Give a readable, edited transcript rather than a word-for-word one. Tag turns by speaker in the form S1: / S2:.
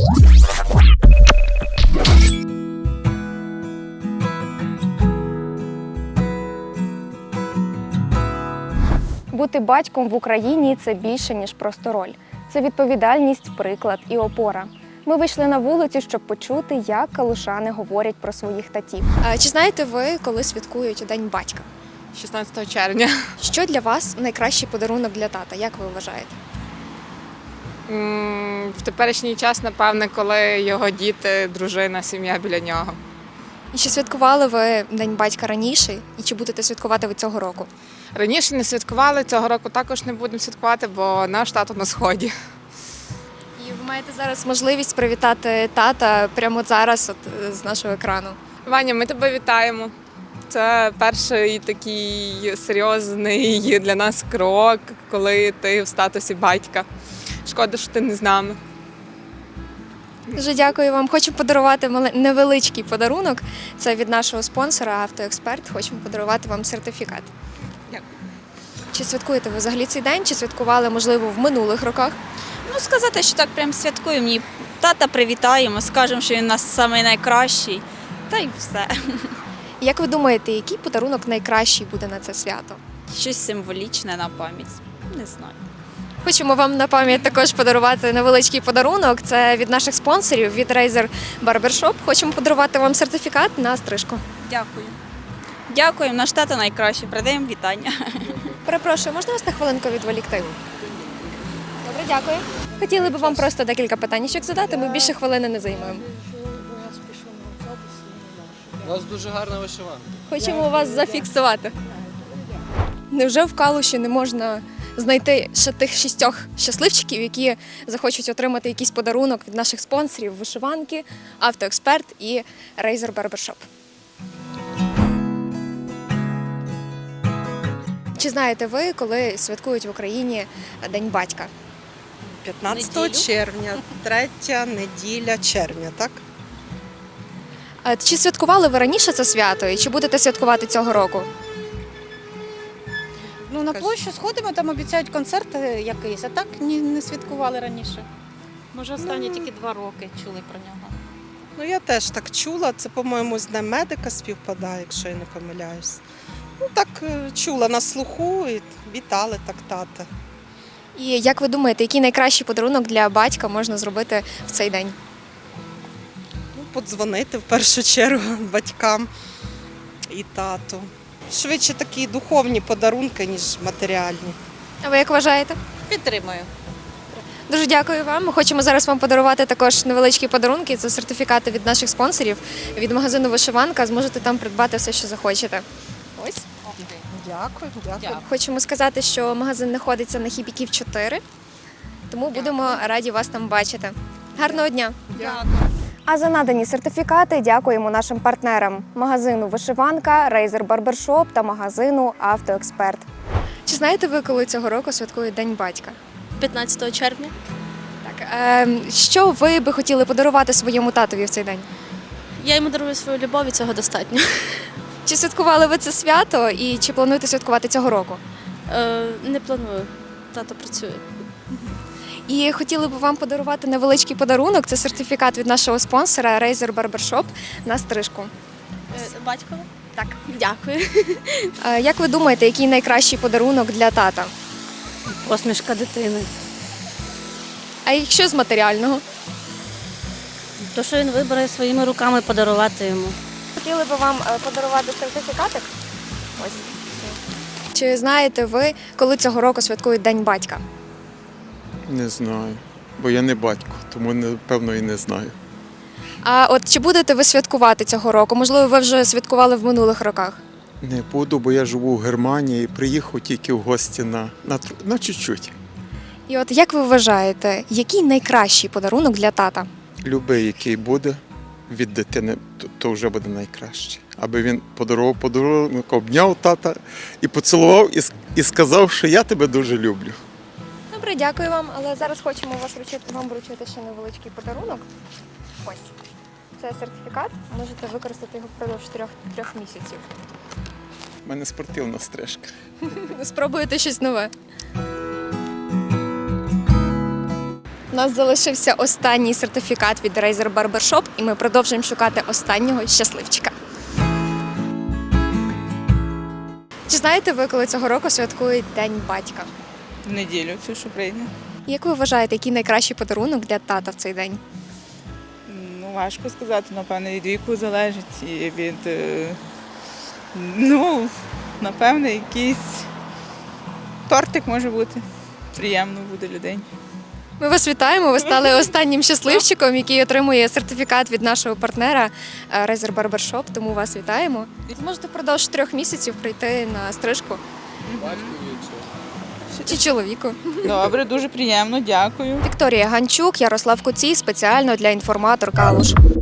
S1: Бути батьком в Україні – це більше, ніж просто роль. Це відповідальність, приклад і опора. Ми вийшли на вулицю, щоб почути, як калушани говорять про своїх татів. Чи знаєте ви, коли святкують День батька?
S2: 16 червня.
S1: Що для вас найкращий подарунок для тата? Як ви вважаєте?
S2: В теперішній час, напевне, коли його діти, дружина, сім'я біля нього.
S1: І чи святкували ви День батька раніше? І чи будете святкувати ви цього року?
S2: Раніше не святкували, цього року також не будемо святкувати, бо наш тато на сході.
S1: І ви маєте зараз можливість привітати тата прямо зараз з нашого екрану.
S2: Ваня, ми тебе вітаємо. Це перший такий серйозний для нас крок, коли ти в статусі батька. Шкода, що ти не з нами.
S1: Дуже дякую вам. Хочу подарувати невеличкий подарунок. Це від нашого спонсора «Автоексперт». Хочемо подарувати вам сертифікат.
S2: Дякую.
S1: Чи святкуєте ви взагалі цей день? Чи святкували, можливо, в минулих роках?
S3: Ну, сказати, що так прям святкуємо. Ні, тата привітаємо, скажемо, що він у нас найкращий. Та й все.
S1: Як ви думаєте, який подарунок найкращий буде на це свято?
S3: Щось символічне на пам'ять. Не знаю.
S1: Хочемо вам на пам'ять також подарувати невеличкий подарунок. Це від наших спонсорів, від Razer Barbershop. Хочемо подарувати вам сертифікат на стрижку.
S3: Дякую. Дякуємо, наш тато найкращий. Передаємо вітання.
S1: Перепрошую, можна вас на хвилинку відволікти? Добре, дякую. Хотіли б вам просто декілька питаннячок задати, ми більше хвилини не займемо.
S4: У вас дуже гарна вишиванка.
S1: Хочемо вас зафіксувати. Невже в Калуші не можна знайти ще тих 6 щасливчиків, які захочуть отримати якийсь подарунок від наших спонсорів вишиванки, «Автоексперт» і Razer Barbershop? Чи знаєте ви, коли святкують в Україні День батька?
S5: 15 червня, третя неділя червня, так?
S1: Чи святкували ви раніше це свято і чи будете святкувати цього року?
S6: Ну, на площу сходимо, там обіцяють концерт якийсь, а так не святкували раніше. Може, останні тільки 2 роки чули про нього.
S5: Ну, я теж так чула, це, по-моєму, з Днем медика співпадає, якщо я не помиляюсь. Ну, так чула на слуху і вітали так тата.
S1: І як ви думаєте, який найкращий подарунок для батька можна зробити в цей день?
S5: Ну, подзвонити в першу чергу батькам і тату. Швидше такі духовні подарунки, ніж матеріальні.
S1: А ви як вважаєте?
S6: Підтримую.
S1: Дуже дякую вам. Ми хочемо зараз вам подарувати також невеличкі подарунки. Це сертифікати від наших спонсорів, від магазину «Вишиванка». Зможете там придбати все, що захочете. Ось.
S5: Дякую.
S1: Хочемо сказати, що магазин знаходиться на Хібіків 4, тому будемо раді вас там бачити. Гарного дня!
S5: Дякую.
S1: А за надані сертифікати дякуємо нашим партнерам – магазину «Вишиванка», Razer Barbershop та магазину «Автоексперт». Чи знаєте ви, коли цього року святкують День батька?
S7: 15 червня.
S1: Так, що ви би хотіли подарувати своєму татові в цей день?
S7: Я йому дарую свою любов і цього достатньо.
S1: Чи святкували ви це свято і чи плануєте святкувати цього року?
S7: Не планую. Тато працює.
S1: І хотіли б вам подарувати невеличкий подарунок. Це сертифікат від нашого спонсора Razer Barbershop на стрижку.
S7: Батькове?
S1: Так.
S7: Дякую.
S1: Як ви думаєте, який найкращий подарунок для тата?
S7: Посмішка дитини.
S1: А якщо з матеріального?
S7: То, що він вибере своїми руками подарувати йому.
S1: Хотіли б вам подарувати сертифікатик? Ось. Чи знаєте ви, коли цього року святкують День батька?
S8: Не знаю, бо я не батько, тому напевно і не знаю.
S1: А от чи будете ви святкувати цього року? Можливо, ви вже святкували в минулих роках?
S8: Не буду, бо я живу в Германії і приїхав тільки в гості на чуть-чуть.
S1: І от як ви вважаєте, який найкращий подарунок для тата?
S8: Любий, який буде від дитини, то вже буде найкраще. Аби він подарував подарунок, обняв тата і поцілував, і сказав, що я тебе дуже люблю.
S1: Добре, дякую вам, але зараз хочемо вам вручити ще невеличкий подарунок. Ось. Це сертифікат, можете використати його впродовж 3 місяців.
S8: У мене спортивна стрижка.
S1: Спробуєте щось нове. У нас залишився останній сертифікат від Razer Barbershop, і ми продовжуємо шукати останнього щасливчика. Чи знаєте ви, коли цього року святкують День батька?
S9: В неділю цю, що прийде.
S1: Як ви вважаєте, який найкращий подарунок для тата в цей день?
S9: Ну, важко сказати, напевно, від віку залежить і від, напевно, якийсь тортик може бути. Приємно буде людей.
S1: Ми вас вітаємо. Ви стали останнім щасливчиком, який отримує сертифікат від нашого партнера Razer Barbershop, тому вас вітаємо. Ви можете впродовж 3 місяців прийти на стрижку чи чоловіку.
S9: Добре, дуже приємно, дякую.
S1: Вікторія Ганчук, Ярослав Куцій, спеціально для інформатор Калуш.